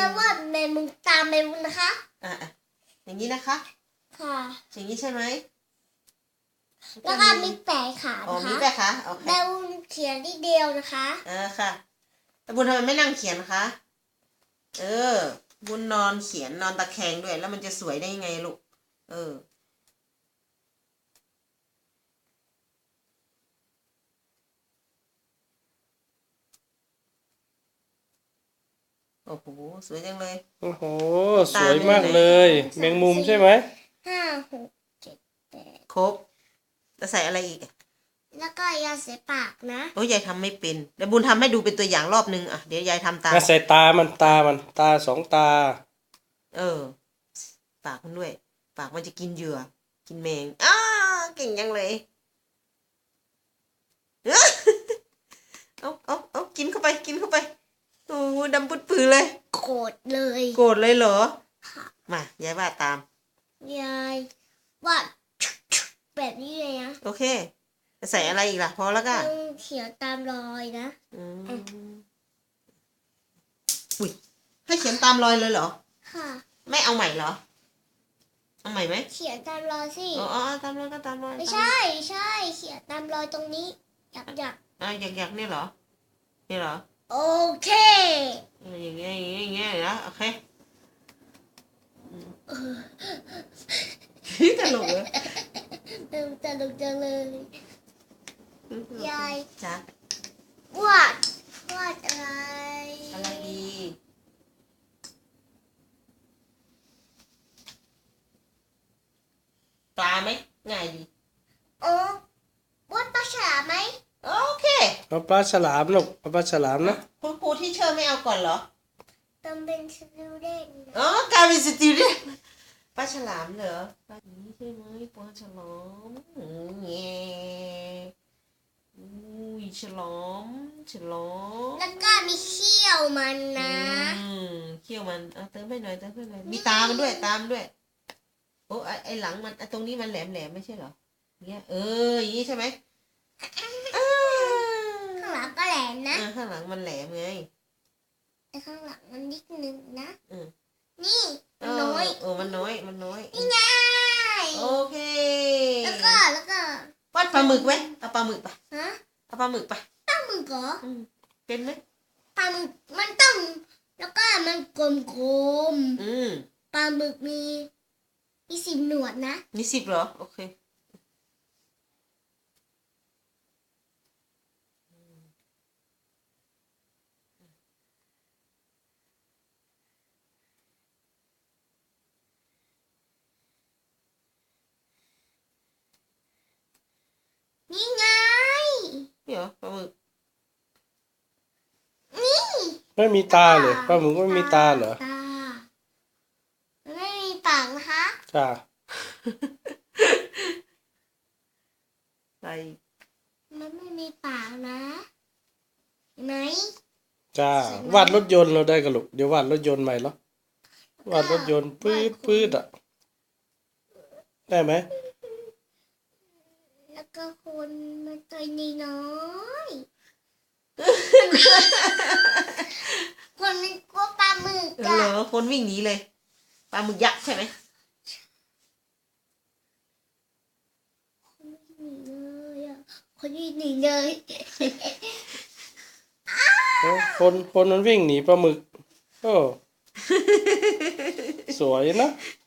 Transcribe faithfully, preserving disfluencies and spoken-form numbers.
วาดแมงมุมตามแมงมุมนะคะอ่ะอย่างนี้นะคะค่ะอย่างนี้ใช่ไหมแล้วก็มีแปะขาอ๋อนะคะมีแปะขาโอเคแมงมุมเขียนที่เดียวนะคะเออค่ะแต่บุญทำไมไม่นั่งเขียนคะเออบุญนอนเขียนนอนตะแคงด้วยแล้วมันจะสวยได้ยังไงลูกเออโอ้โหสวยจังเลยโอ้โหสวยมากเลย แมงมุมใช่ไหมห้าหกเจ็ดแปดครบจะใส่อะไรอีกแล้วก็ยาเสปากนะโอ้ยยายทำไม่เป็นเดี๋ยวบุญทำให้ดูเป็นตัวอย่างรอบนึงอ่ะเดี๋ยวยายทำตามใส่ตามันตามันตาสองตาเออปากมันด้วยปากมันจะกินเหยื่อกินแมงอ้าเก่งยังเลยเอาเอาเอากินเข้าไปกินเข้าไปโอ้ดำปุดปือเลยโกรธเลยโกรธเลยเหรอมายายวาดตามยายวาดแบบนี้เลยนะโอเคจะใส่อะไรอีกล่ะพอแล้วก็เขียนตามรอยนะอืมอุ้ยให้เขียนตามรอยเลยเหรอค่ะไม่เอาใหม่เหรอเอาใหม่ไหมเขียนตามรอยสิอ๋อตามรอยก็ตามรอยไม่ใช่ใช่เขียนตามรอยตรงนี้อยากอยากอ่ะอยากอยากเนี่ยเหรอนี่เหรอโอเคอย่างเงี้ยอย่างเงี้ยอย่างเงี้ยนะโอเคตลกเลยตลกจังเลยยายจ๊ะวาดวาดอะไรอะไรดีปลาไหมง่ายดีโอ้วาดปลาฉลามไหมโอเคเอาปลาฉลามลูกเอาปลาฉลามนะคุณครูที่เชิญไม่เอาก่อนเหรอต้องเป็นสติวเดนอ๋อกลายเป็นสติวเดนปลาฉลามเหรอปลานี้ใช่ไหมปลาฉลามเงี้ยอุ้ยฉลามฉลามแล้วก็มีเขี้ยวมันนะอืมเขี้ยวมันเอาเติมไปหน่อยเติมไปหน่อยมีตามันด้วยตามด้วยโอ้ไอไอหลังมันตรงนี้มันแหลมแหลมไม่ใช่เหรอเงี้ยเอออย่างนี้ใช่ไหมข้างหลังก็แหลมนะข้างหลังมันแหลมไงแต่ข้างหลังมันนิดนึงนะอืมนี่มันน้อยเออมันน้อยมันน้อยนี่ไงโอเคแล้วก็แล้วก็วาดปลาหมึกไหมเอาปลาหมึกไปฮะเอาปลาหมึกไปปลาหมึกเหรอเป็นไหมปลาหมึกมันต้องแล้วก็มันกลมๆอืมปลาหมึกมีมีสิบหนวดนะมีสิบเหรอโอเคนี่ไงนี่เหรอปลาหมึกนี่ไม่มีตาเลยปลาหมึกไม่มีตาเหรอตาไม่มีปากนะคะจ้าอะไรมันไม่มีปากนะเห็นไหมจ้าวาดรถยนต์เราได้กันลูกเดี๋ยววาดรถยนต์ใหม่เหรอวาดรถยนต์ปื๊ดปื๊ดอ่ะได้ไหมแล้วก็คนมันตัวนี้น้อยคนมันกลัวปลาหมึกอะเหรอคนวิ่งหนีเลยปลาหมึกยักษ์ใช่ไหมคนวิ่งหนีเลยคนคนมันวิ่งหนีปลาหมึกโอ้สวยนะ